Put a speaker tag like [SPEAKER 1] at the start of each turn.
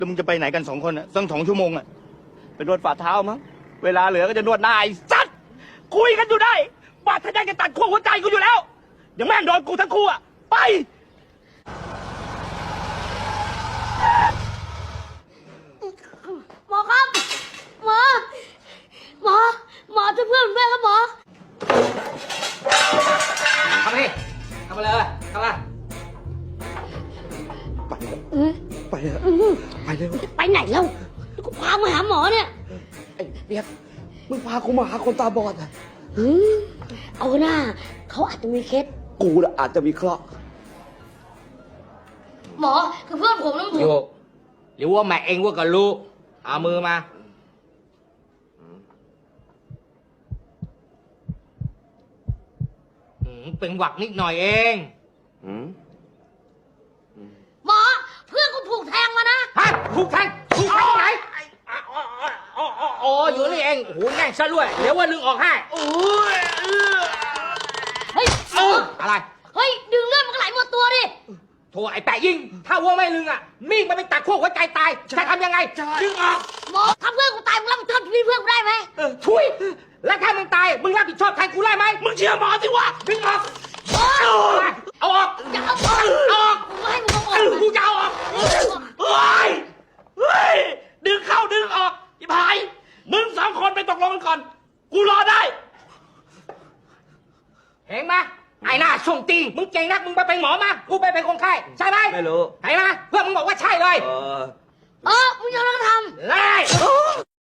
[SPEAKER 1] แล้วมึงจะไปไหนกัน2 คนอ่ะตั้ง2 ชั่วโมงอ่ะไปนวดฝ่าเท้ามั้งเวลาเหลือก็จะนวดหน้าไอ้สัตว์คุยกันอยู่ได้บาดทะยันจะตัดขั้วหัวใจกูอยู่แล้วเดี๋ยวแม่งโดนกูทั้งคู่อ่ะไป
[SPEAKER 2] หมอครับหมอช่วยเพื่อนผมด้วยครับหมอ
[SPEAKER 3] เข้ามาดิเข้ามาเลยเข้ามา
[SPEAKER 1] ไปเถอะไปเร็ว
[SPEAKER 2] ไปไหนแล้วกูพามาหาหมอเนี่ย
[SPEAKER 1] ไอ้เปียกมึงพากูมาหาคนตาบอดอ่ะ
[SPEAKER 2] เอาหน้าเขาอาจจะมีเคส
[SPEAKER 1] กูน่ะอาจจะมีเคราะห์
[SPEAKER 2] หมอคือเพื่อนผมนะผม
[SPEAKER 3] อยู่หรือว่าแม่เองว่าก็รู้เอามือมาเป็นหวักนิดหน่อยเอง
[SPEAKER 2] หมอเพื่อนกูถูกแทงมานะ
[SPEAKER 3] ฮะถูกแทงที่ไหนอ๋ออยู่นี่เองโอ้โหแน่นซะด้วยเดี๋ยวว่าลึงออกให้
[SPEAKER 2] เฮ้ยหมอ
[SPEAKER 3] อะไร
[SPEAKER 2] เฮ้ยดึงเลือดมันก็ไหลหมดตัวดิ
[SPEAKER 3] โถไอ้แปะยิงถ้าว่าไม่ลึงอ่ะมีดมันไปตัดขั้วหัวใจตายจะทำยังไงดึงออก
[SPEAKER 2] หมอถ้าเพื่อนกูตายมึงรับผิดชอบชีวิตเพื่อนกูได้ไหม
[SPEAKER 3] ทุยแล้วถ้ามึงตายมึงรับผิดชอบแทนกูได้ไหมมึงเชื่อหมอสิวะดึงออก
[SPEAKER 2] หมอ
[SPEAKER 3] เอาออก
[SPEAKER 2] จะเอาออก
[SPEAKER 3] ออก
[SPEAKER 2] กูให้มึงเอาออก
[SPEAKER 3] กูจะเอาออก
[SPEAKER 1] เฮ้ยดึงเข้าดึงออกอีพายมึง2 คนไปตกลงกันก่อนกูรอได้
[SPEAKER 3] เห็นไหมไอ้หน้าส่งตีมึงเก่งนักมึงไปเป็นหมอมากูไปเป็นคนไข้ใช่ไหม
[SPEAKER 1] ไม่รู้
[SPEAKER 3] เห็นไหมเพื่อนมึงบอกว่าใช่เลย
[SPEAKER 2] มึงยอมรับทำ
[SPEAKER 3] ไล่